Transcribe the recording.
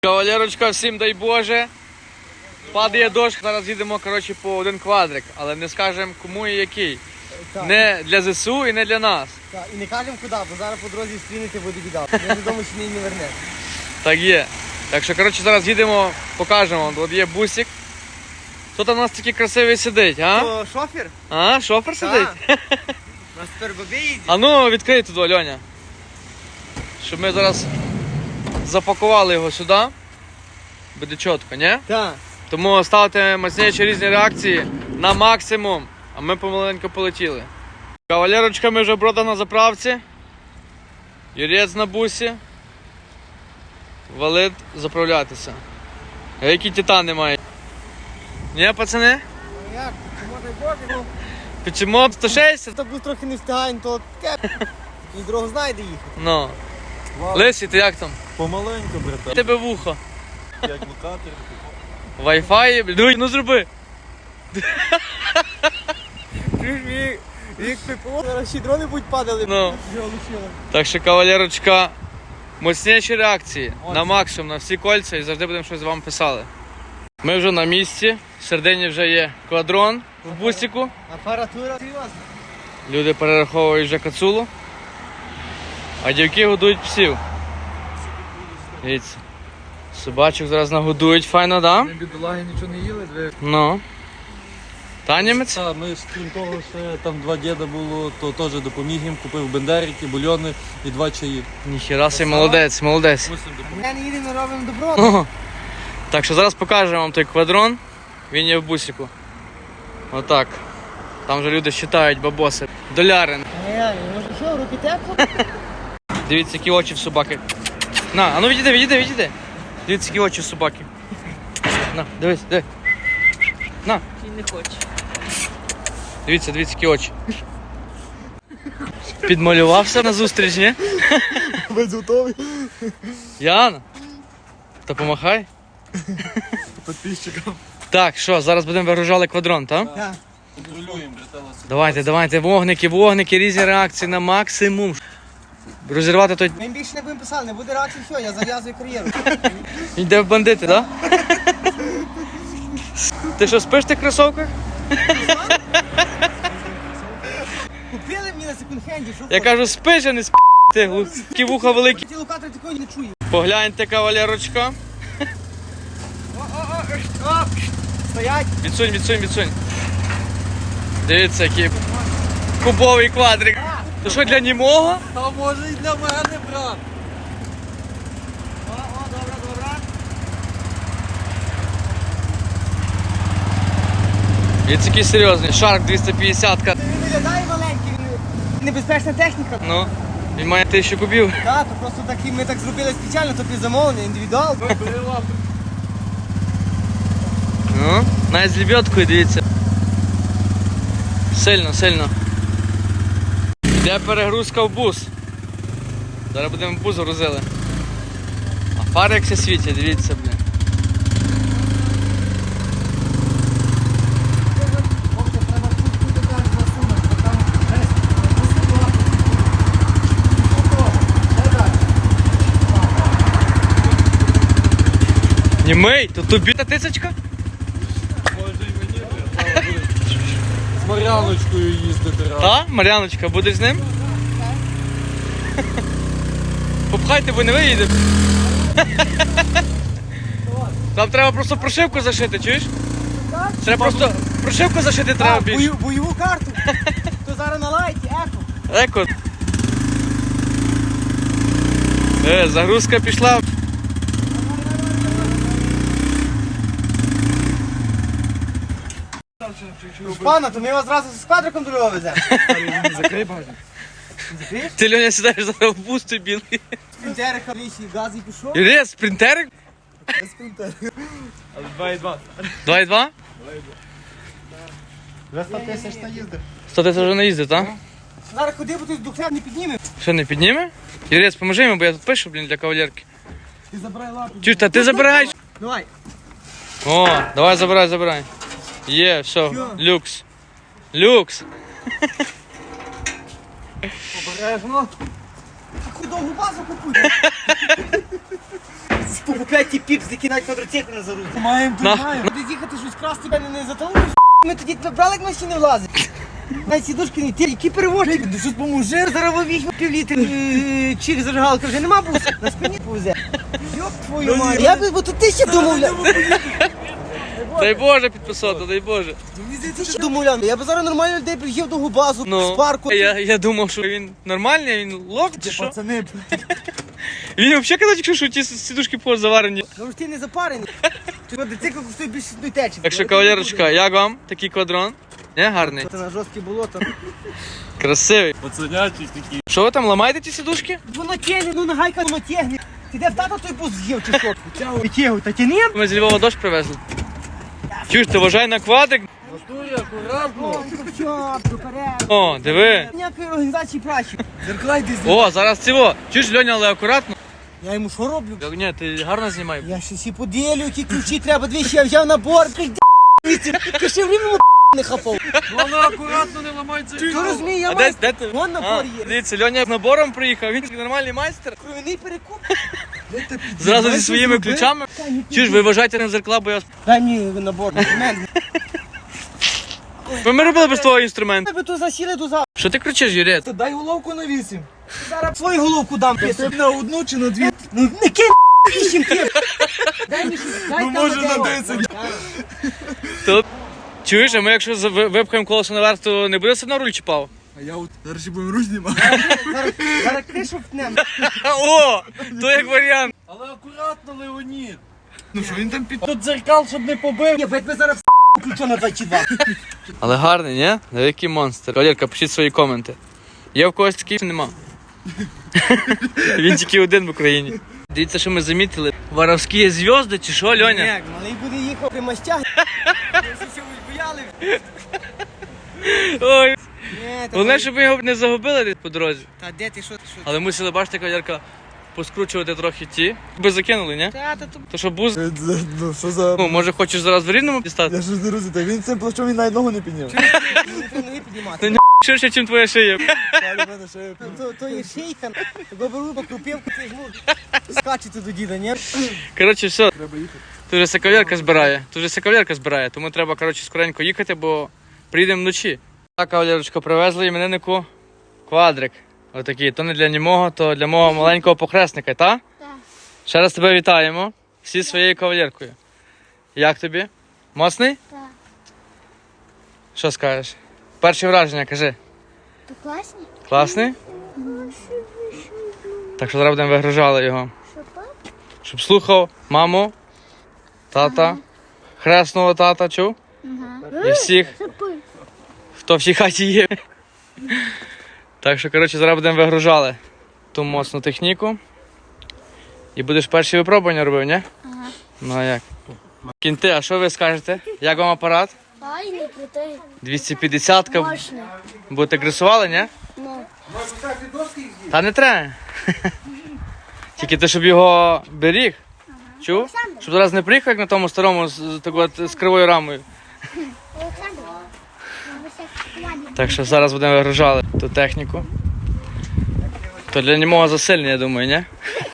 Кавалерочка, всім дай Боже. Падає дощ, зараз їдемо, коротше, по один квадрик, але не скажемо кому і який. Так. Не для ЗСУ і не для нас. Так, і не кажемо куди, бо зараз по дорозі стрінити буде біда. Я додому ще не верне. Так є. Так що, коротше, зараз їдемо, покажемо вам. От є бусик. Хто там у нас такий красивий сидить, а? То шофер? А, шофер сидить? У нас тепер бабі їздять. А ну, відкрий туди, Льоня. Щоб ми зараз запакували його сюди. Буде чітко, ні? Так. Тому ставте мощніші різні реакції на максимум, а ми помаленьку полетіли. Кавалерочка, ми вже брода на заправці. Юрець на бусі. Валить заправлятися. А які титани мають? Ні, пацани? Ну як? Чому дай Боже? Ну, Печемо 160? так був трохи не встигаємо, то таке. І дорогу знає, де їхати. Ну. Лисі, ти як там? Помаленьку, братан. Тебе вухо. Як локатор. Wi-Fi, ну зроби. Як ППО, зараз ще дрони будуть падали. Ну. Вже лишили. Так що, кавалерочка, мощніші реакції на максимум, на всі кольця і завжди будемо щось з вами писали. Ми вже на місці, в середині вже є квадрон в бусику. Апаратура серйозна. Люди перераховують вже кацулу, а дівки годують псів. Дивіться, собачок зараз нагодують, файно, да? Ми бідолаги нічого не їли, дві. Ну. Та німець? Так, ми крім того, ще там два діда було, то теж допоміг їм, купив бендерики, бульйони і 2 чаї. Ніхіра си, молодець, молодець. Мусимо допомогти. Ми не їдемо, робимо добро. Ого. Так що зараз покажемо вам той квадрон. Він є в бусику. Отак. Там вже люди считають бабоси. Доляри. Реально, може що, руки тепло? Дивіться, які очі в собаки. На, а ну відійди. Дивіться, які очі в собаки. На, дивись. На. Він не хоче. Дивіться, які очі. Підмалювався на зустріч, ні? Без готовий. Яна? Та помахай. Підписчикам. Так, що, зараз будемо вигружати квадрон, так? Так. Контролюємо, браталося. Давайте, вогники, різні реакції на максимум. Розірвати той... Ми більше не будемо писати, не буде реакції, все, я зав'язую кар'єру. Йде в бандити, так? Ти що, спиш в тих кросовках? Купили мені на секонд-хенді, що Я кажу, спиш, а не спиш. Ти глухі вуха великі. ті локатори такої не чую. Погляньте, кавалерочка. Стоять. Відсунь. Дивіться, який кубовий квадрик. То що, для німого? А може і для мене, брат. Добре. Він такий серйозний. Шарк 250-ка. Він виглядає маленький, він небезпечна техніка. Ну, він має 1000 кубів. Так, то просто такі, ми так зробили спеціально, то під замовлення, індивідуал. Ну, навіть з лебедкою, дивіться. Сильно. Йде перегрузка в бус. Зараз будемо в бус грузили. А фари як все світять, дивіться, блін. Німей, то тобі та тисячка? Може і мені, браталося. З Мар'яночкою їздити раз. Та, Мар'яночка, будеш з ним? Попхайте, бо не виїде. Там треба просто прошивку зашити, чуєш? Треба просто прошивку зашити треба більше. Бойову карту. То зараз на лайті, еко. Загрузка пішла. Пана, то ми вас зразу з квадриком до Львова веземо. Закрий багажник. Закриєш? Ти, Льоня, сідаєш зараз в бус той білий. Спринтериха лісі, газ і пішов. Юрій, спринтерик? Без спринтера. 2,2. 2,2? Вже 100 тисяч та їздив. 100 тисяч вже не їздить, так? Зараз ходи, бо ти з духляр не підніме. Що, не підніме? Юрець, поможи йому, бо я тут пишу, блін, для кавалерки. Ти забирай лапу. Чуєш, та ти забираєш? Давай. О, давай забирай. Є, все, люкс. Обережно. хуй довгу базу купуй. Покупляй ті піпс, які навіть квадроцикл не зарузять. Маємо, На. маємо. Будеш їхати щось красти, мене не заталуєш. Ми тоді тебе брали, як машини влазить. Навіть сідушки не ті, які перевозчики. Ну щось поможи, зараз візьму півлітр чик зажигалки, вже нема буса. На спині повезе. Йоп твою мать. Я би, бо тут ти ще домовляв. Дай Боже підписати, дай Боже. Ти ще домовляв. Я би зараз нормально людей привів до губазу, з парку. Я думав, що він нормальний, він лох чи що? Пацани, Він взагалі казав, якщо що ті сідушки позаварені. Ну ж ти не запарений. Ти мотоцикл коштує більше одної течі. Так що, кавалерочка, як вам такий квадрон? Не, гарний? Це на жорстке болото. Красивий. пацанячі такі. Що ви там, ламаєте ті сідушки? Воно тягне, ну нагайка воно тягне. Ти де в тата той бус з'їв чи що? Витягуй, та тяни. Ми з Львова дощ привезли. Чуєш, ти вважай на квадрик? Готуй акуратно. Що, доперед. О, диви. Ніякої організації праці. Зеркалай десь. О, зараз цього. Чуєш, Льоня, але акуратно. Я йому що роблю? Ні, ти гарно знімай. Я щось і поділю, які ключі треба двічі, я взяв набор, ти ще в рівному не хапав. Воно акуратно не ламається. Ти розумієш, я А маю де ти? вон набор є. Дивіться, Льоня з набором приїхав, він нормальний майстер. Кровяний перекуп. Зразу зі своїми ключами. Чуєш, ви вважайте на зеркала, бо я... Дай мені набор, інструмент. Ми робили без твого інструменту. Ми тут засіли до завтра. Що ти кричиш, Юрій? Та дай головку на 8. Зараз свою головку дам. Ти на одну чи на 2? Ну не кинь вісім ким. Дай мені щось, дай Ну, там може, на дерево. 10. То... Чуєш, а ми якщо випхаємо колесо наверх, то не буде все одно руль чіпав? А я от зараз ще будемо руч знімати. Зараз кришу втнем. О, то як варіант. Але акуратно, Леонід. Ну що, він там під... Тут дзеркал, щоб не побив. Я тебе зараз ключо на 22. Але гарний, ні? Великий монстр. Валерка, пишіть свої коменти. Є в когось такий? Нема. Він тільки один в Україні. Дивіться, що ми замітили. Воровські зв'язки чи що, Льоня? Ні, малий буде їхав при мастях. Всі чогось бояли. Ой. Ні, та Головне, щоб ми його не загубили десь по дорозі. Та де ти, що? Але мусили, бачите, Валерка, поскручувати трохи ті. Би закинули, ні? Та то То що буз, Ну що за... ну, може хочеш зараз в Рівному дістати? Я щось не розумію, він цим плащом він навіть ногу не підняв. не треба ноги піднімати. Ширше, ніж твоя шия. Далі в мене ще є. То є шейка, того беру по крупівку, ти жму. Скачете до діда, ні? Коротше, все. Треба їхати. Тут вже кавалерка збирає. Тут вже кавалерка збирає, тому треба, коротше, скоренько їхати, бо приїдемо вночі. Так, кавалерочка, привезли імениннику квадрик. Отакий. То не для німого, то для мого маленького похресника, та? Так. Ще раз тебе вітаємо. Всі своєю кавалеркою. Як тобі? Моцний? Так. Що скажеш? Перші враження, кажи. То класні? Класний? Так що зараз будемо вигружали його. Що так? Щоб слухав маму, тата, хресного тата, чув? І всіх, хто в цій хаті є. Так що, коротше, зараз будемо вигружали ту моцну техніку. І будеш перші випробування робив, ні? Ага. Ну а як? Кінти, а що ви скажете? Як вам апарат? Файний, крутий, 250-ка. мощний. Будете гресували, ні? Ну, Та не треба. Тільки ти, щоб його беріг. Чув? Щоб зараз не приїхав, як на тому старому з кривою рамою. Олександр, Так що зараз будемо вигружати ту техніку. То для нього засильний, я думаю, ні?